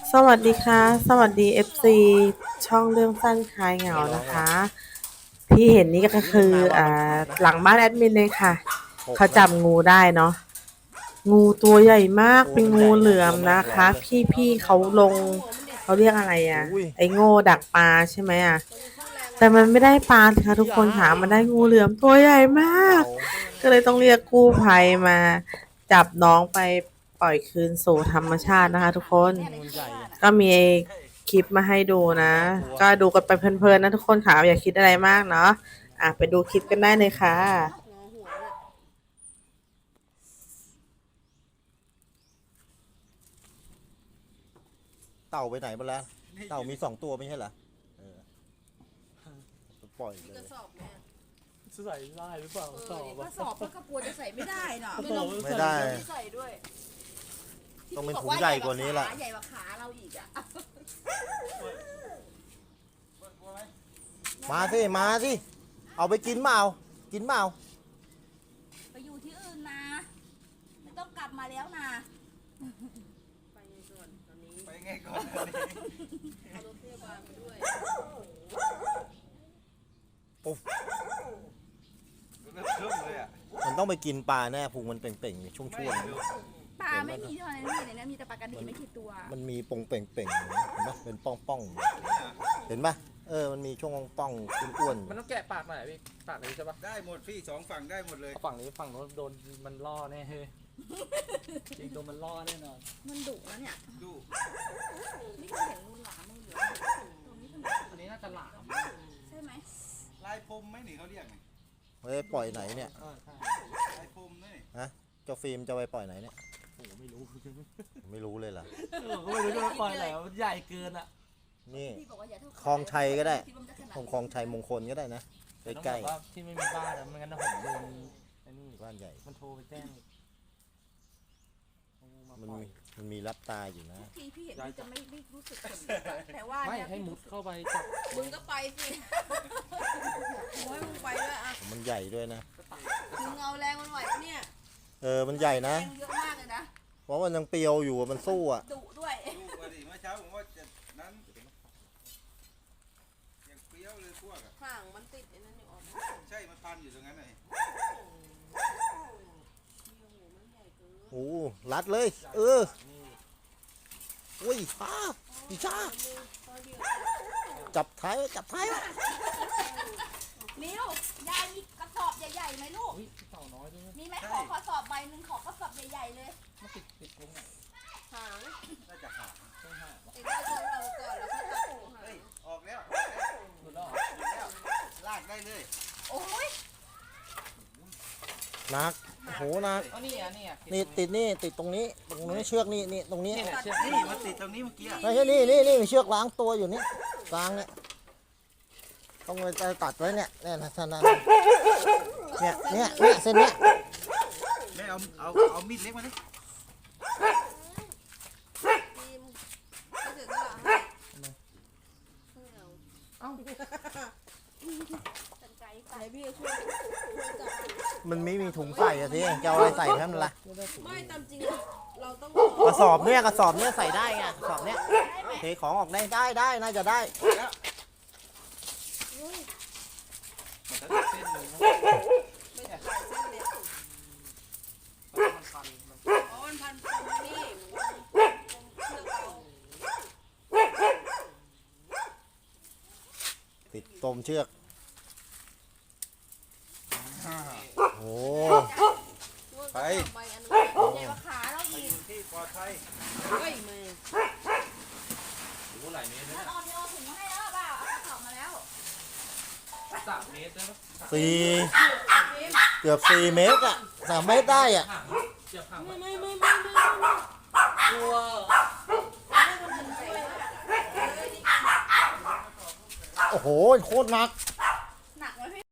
สวัสดีค่ะสวัสดี FC ช่องเรื่องสั้นคลายเหงานะคะที่เห็นนี่ก็คือหลังบ้านแอดมินเลยค่ะเขาจับงูได้เนาะงูตัวใหญ่มากเป็นงูเหลือมนะคะพี่เขาลงเขาเรียกอะไรไอ้โง่ดักปลาใช่ไหมแต่มันไม่ได้ปลาค่ะทุกคนค่ะมันได้งูเหลือมตัวใหญ่มากก็เลยต้องเรียกกู้ภัยมาจับน้องไปปล่อยคืนสู่ธรรมชาตินะคะทุกคนก็มีคลิปมาให้ดูนะก็ดูกันไปเพลินๆนะทุกคนค่ะอย่าคิดอะไรมากเนาะไปดูคลิปกันได้เลยค่ะเต่าไปไหนหมดแล้วเต่ามี2 ตัวไม่ใช่เหรอปล่อยเลยใส่ได้หรือเปล่าสอบถ้าสอบมันก็กลัวจะใส่ไม่ได้เนาะไม่ได้ใส่ด้วยต้องเป็นถุงใหญ่กว่านี้แหละใหญ่กว่าขาเราอีกมาสิเอาไปกินเปล่าไปอยู่ที่อื่นนะไม่ต้องกลับมาแล้วนะไปไงก่อนตอนนี้เอารถพยาบาลไปด้วยปุ๊บมันต้องไปกินปลาแน่พุงมันเป่งๆช่วงปลาไม่มีเท่านั้นนี่ในนั้นมีแต่ปลากระดีไม่กี่ตัวมันมีปงเป่งเห็นไหมเป็นป้องเห็นปะมันมีช่วงป้องอ้วนมันต้องแกะปากหน่อยพี่ปากนี้ใช่ปะได้หมดพี่2 ฝั่งได้หมดเลยฝั่งนี้ฝั่งโน้นโดนมันล่อแน่เฮ้ยจริงโดนมันล่อแน่นอนมันดุนะเนี่ยดุไม่เคยเห็นงูหลามมือเหลือตรงนี้อันนี้น่าจะหลามใช่ไหมลายพรมไหมนี่เขาเรียกไงปล่อยไหนเนี่ยลายพรมนี่เจ้าฟิล์มจะไปปล่อยไหนเนี่ยโอ้ไม่รู้เลยล่ะผมก็ไม่รู้จะปล่อยไหนมันใหญ่เกินนี่คลองชัยก็ได้คลองชัยมงคลก็ได้นะใกล้ๆที่ไม่มีบ้านไม่งั้นผมโดนไอ้นี่บ้านใหญ่มันโทรไปแจ้งมันมีรับตาอยู่นะพี่เห็นจะไม่รู้สึกแต่ว่าไม่ให้มุดเข้าไปจับมึงก็ไปสิโอ้ยมึงไปด้วยมันใหญ่ด้วยนะมึงเอาแรงมันไหวเนี่ยมันใหญ่นะเยอะมากเลยนะเพราะมันยังเปรียวอยู่มันสู้ดุด้วยดูมาดิเมื่อเช้าผมว่าจะนั้นยังเปรี้ยวเลยพวกห่างมันติดไอ้นั่นอยู่ใช่มันพันอยู่ตรงนั้นเลยโอ้รัดเลยอุ้ยพี่ชาจับท้ายมิวยายมีกระสอบใหญ่ๆไหมลูกมีไหมขอกระสอบใบหนึ่งขอกระสอบใหญ่ๆเลยติดตรงไหนหางน่าจะหางติดได้ตรงเราก่อนแล้วก็ตัดตรงหางออกแล้วหลุดแล้วลากได้เลยโอ้ยนักโหนักนี่ติดตรงนี้เชือกนี่ตรงนี้มันติดตรงนี้เมื่อกี้ไม่ใช่นี่มีเชือกล้างตัวอยู่นี่กลางเนี่ยต้องไปตัดไว้เนี่ยท่านนั้นเนี่ยเส้นเนี้ยไม่เอามีดเล็กมาดิมันไม่มีถุงใส่สิจะเอาอะไรใส่ให้มันล่ะไม่ตามจริงเราต้องกระสอบเนี่ยใส่ได้ไงกระสอบเนี่ยเทของออกได้น่าจะได้ติดตมเชือกโอ้ไปใหญ่กว่าขาเราอีกที่ปลอดภัยเฮ้ยมือหลายเมตรนั่นออกถุงมาให้แล้วเปล่าเอากระสอบมาแล้ว 3 เมตรได้ปะเกือบ4 เมตร3 เมตรได้ไม่กลัวโอ้โหโคตรหนัก